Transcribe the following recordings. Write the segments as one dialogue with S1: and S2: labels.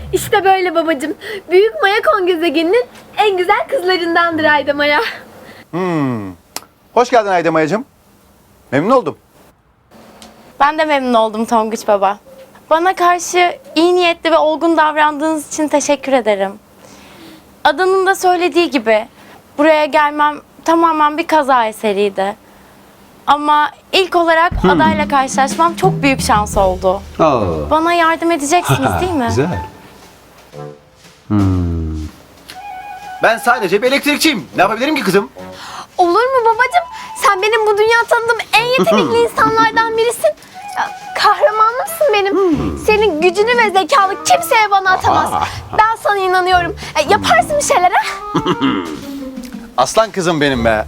S1: İşte böyle babacığım. Büyük Maya Kon gezegeninin en güzel kızlarındandır Ayda Maya.
S2: Hoş geldin Ayda Mayacığım. Memnun oldum.
S3: Ben de memnun oldum Tonguç Baba. Bana karşı iyi niyetli ve olgun davrandığınız için teşekkür ederim. Adanın da söylediği gibi buraya gelmem tamamen bir kaza eseriydi. Ama ilk olarak adayla karşılaşmam çok büyük şans oldu. Bana yardım edeceksiniz değil mi?
S4: Güzel.
S2: Ben sadece bir elektrikçiyim. Ne yapabilirim ki kızım?
S1: Olur mu babacığım? Sen benim bu dünya tanıdığım en yetenekli insanlardan birisin. Ya, kahramanımsın benim. Senin gücünü ve zekanı kimseye bana atamaz. Ben sana inanıyorum. Yaparsın bir şeyler ha?
S2: Aslan kızım benim be.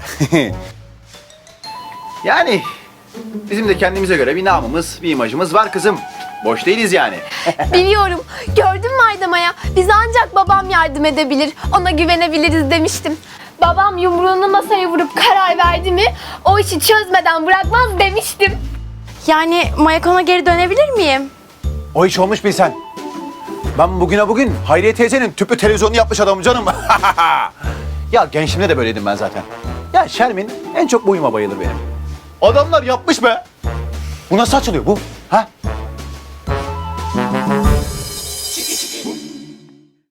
S2: Yani bizim de kendimize göre bir namımız, bir imajımız var kızım. Boş değiliz yani.
S1: Biliyorum. Gördün mü Ayda Maya? Bize ancak babam yardım edebilir. Ona güvenebiliriz demiştim. Babam yumruğunu masaya vurup karar verdi mi o işi çözmeden bırakmaz demiştim.
S3: Yani Mayakon'a geri dönebilir miyim?
S2: O iş olmuş bilsen. Ben bugüne bugün Hayriye teyzenin tüplü televizyonu yapmış adamım canım. Ya gençliğimde de böyleydim ben zaten. Ya Şermin en çok bu uyuma bayılır benim. Adamlar yapmış be. Bu nasıl açılıyor bu? Ha?